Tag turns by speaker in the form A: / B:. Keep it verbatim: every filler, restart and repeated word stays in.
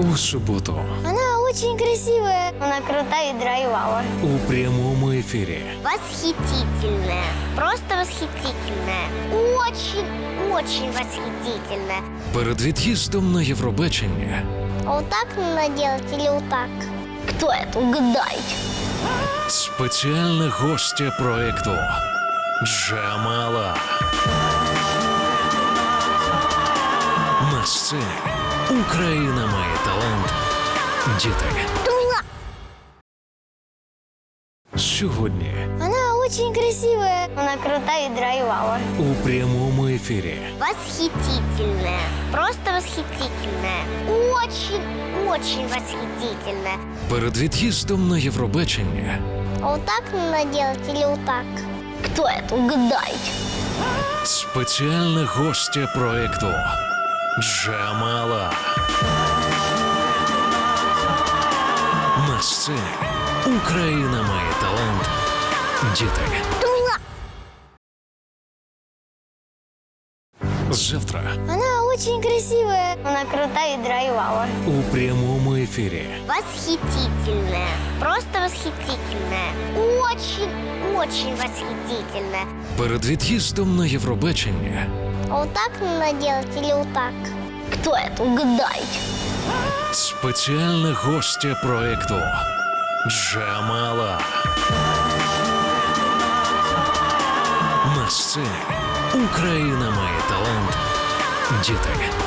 A: у суботу
B: Она очень красивая. Она крутая и драйвовая.
A: у прямому ефірі.
B: Восхитительная. Просто восхитительная. Очень, очень восхитительная.
A: Перед від'їздом на Євробачення
B: А вот так надо делать или вот так? Кто это? Угадайте.
A: спеціальна гостя проекту Джамала. На сцені Україна має талант. Діти. Сьогодні
B: Она очень красивая. Она крутая и драйвовая.
A: у прямому ефірі.
B: Восхитительная. Просто восхитительная. Очень, очень восхитительная.
A: Перед від'їздом на Євробачення
B: А вот так надо делать или вот так? Кто это? Угадайте.
A: спеціальна гостя проекту Джамала. На сцені Україна має талант. Діти. Завтра
B: Она очень красивая. Она крутая и драйвовая.
A: у прямому ефірі.
B: Восхитительная. Просто восхитительная. Очень, очень восхитительная.
A: Перед від'їздом на Євробачення
B: А вот так надо делать или вот так? Кто это? Угадайте.
A: спеціальна гостя проекту Джамала. На сцені Україна має талант. Діти.